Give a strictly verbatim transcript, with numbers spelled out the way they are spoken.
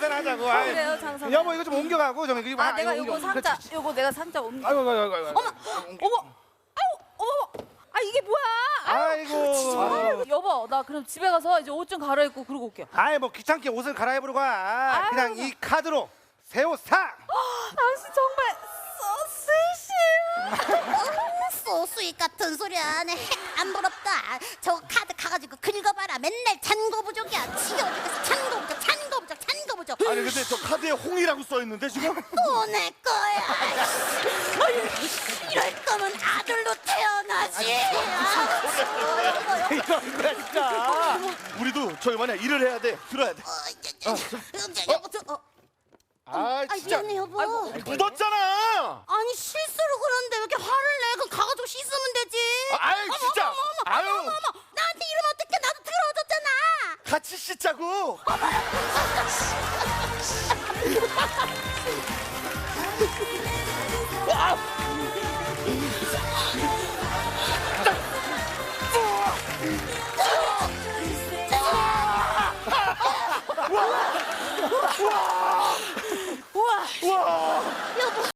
장사하자고. 아이, 그래요, 장사. 여보 이거 좀 옮겨가고 좀 이거. 아, 내가 옮겨. 요거 상자, 그렇지. 요거 내가 상자 옮겨. 아이고 아이고 아이고. 어머, 어머, 아우, 어머, 아 이게 뭐야? 아이고. 아유, 여보, 나 그럼 집에 가서 이제 옷 좀 갈아입고 그러고 올게요. 아이 뭐 귀찮게 옷을 갈아입으러 가. 그냥 아이고. 이 카드로 새 옷 사. 당신 정말 소스시. 소수익 같은 소리 안 해. 안 부럽다. 저 카드 가가지고 긁어봐라. 맨날 잔고 부족이야. 지겨워 죽겠어. 잔고 부족, 잔고 부족, 잔고 부족. 아니 근데 저 카드에 홍이라고 써 있는데 지금? 또 내 거야. 아유, 이럴 거면 아들로 태어나지. 아, 이런 거야 진짜. 우리도 저기 만약 일을 해야 돼. 들어야 돼. 어, 저, 저, 저, 여보, 저, 어. 아 아, 진짜 미안해 여보. 묻었잖아. 아니 실수로 그러는데 왜 이렇게 화를 내? 그럼 가가지고 씻으면 되지. 아, 아유 어머, 진짜. 어머, 어머, 아유 어머, 어머, 나한테 이러면 어떡해? 나도 더러워졌잖아. 같이 씻자고. 아,